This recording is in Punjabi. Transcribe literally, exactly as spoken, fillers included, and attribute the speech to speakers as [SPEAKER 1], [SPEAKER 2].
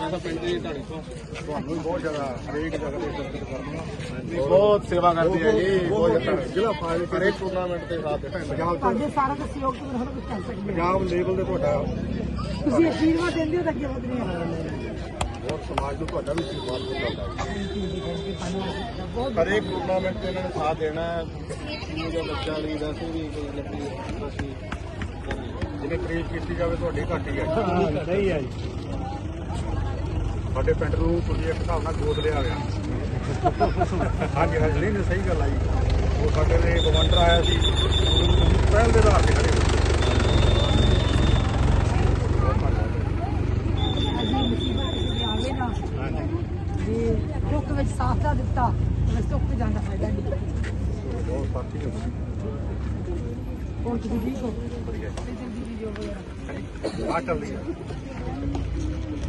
[SPEAKER 1] ਪਿੰਡ ਦੀ ਢਾਣੀ ਤੋਂ
[SPEAKER 2] ਤੁਹਾਨੂੰ ਵੀ ਬਹੁਤ ਜ਼ਿਆਦਾ ਹਰੇਕ ਜਗ੍ਹਾ ਤੇ ਦਰਸ਼ਨ ਕਰਨਾ ਬਹੁਤ ਸੇਵਾ ਕਰਦੇ ਆ ਜੀ ਬਹੁਤ ਜ਼ਿਆਦਾ ਜ਼ਿਲ੍ਹਾ ਫਾਜ਼ਿਲਕਾ ਹਰੇਕ ਟੂਰਨਾਮੈਂਟ ਦੇ ਸਾਥ ਦਿੱਤਾ ਪੰਜਾਬ
[SPEAKER 3] ਤੁਹਾਡੇ ਸਾਰਾ ਦਾ ਸਹਿਯੋਗ ਤੋਂ ਬਿਨਾਂ ਕੁਝ ਕਰ ਸਕਦੇ
[SPEAKER 2] ਪੰਜਾਬ ਲੈਵਲ ਤੇ ਤੁਹਾਡਾ
[SPEAKER 3] ਤੁਸੀਂ ਅਸ਼ੀਰਵਾਦ ਦਿੰਦੇ ਹੋ ਤਾਂ ਅੱਗੇ ਵਧਣੇ ਆ
[SPEAKER 2] ਬਹੁਤ ਸਮਾਜ ਨੂੰ ਤੁਹਾਡਾ ਵੀ ਆਸ਼ੀਰਵਾਦ ਮਿਲਦਾ
[SPEAKER 3] ਬਹੁਤ
[SPEAKER 2] ਹਰੇਕ ਟੂਰਨਾਮੈਂਟ ਤੇ ਇਹਨਾਂ ਨੇ ਸਾਥ ਦੇਣਾ ਜਿਹਦੇ ਬੱਚਾ ਲਈ ਵੈਸੇ ਵੀ ਕੋਈ ਲੱਗੀ ਅਸੀਂ ਜਿਹਨੇ ਤਾਰੀਫ ਕੀਤੀ ਜਾਵੇ ਤੁਹਾਡੀ ਘੱਟ ਹੀ ਹੈ
[SPEAKER 1] ਸਹੀ ਹੈ ਜੀ
[SPEAKER 2] ਸਾਡੇ ਪਿੰਡ ਨੂੰ ਤੁਸੀਂ ਇੱਕ ਹਿਸਾਬ ਨਾਲ ਗੋਦ ਲਿਆ ਹੋਇਆ ਹਾਂਜੀ ਹਾਂਜੀ ਨਹੀਂ ਸਹੀ ਗੱਲ ਆਈ ਉਹ ਸਾਡੇ ਨੇ ਗਵੰਡਰ ਆਇਆ ਸੀ ਪਹਿਲ ਦੇ ਆਧਾਰ ਤੇ ਖੜੇ
[SPEAKER 3] ਜੇ ਦੁੱਖ ਵਿੱਚ ਸਾਥ ਦਾ ਦਿੱਤਾ ਤਾਂ ਸੁੱਖ ਤੇ ਜਾਣ ਦਾ ਫਾਇਦਾ ਨਹੀਂ
[SPEAKER 2] ਬਹੁਤ ਸਾਥੀ ਹੋ
[SPEAKER 3] ਹੋਰ ਤੁਸੀਂ ਠੀਕ ਹੋ
[SPEAKER 2] ਵਧੀਆ
[SPEAKER 3] ਜਲਦੀ ਜਲਦੀ ਜੋ ਹੋਇਆ
[SPEAKER 2] ਆ ਚੱਲਦੀ ਹੈ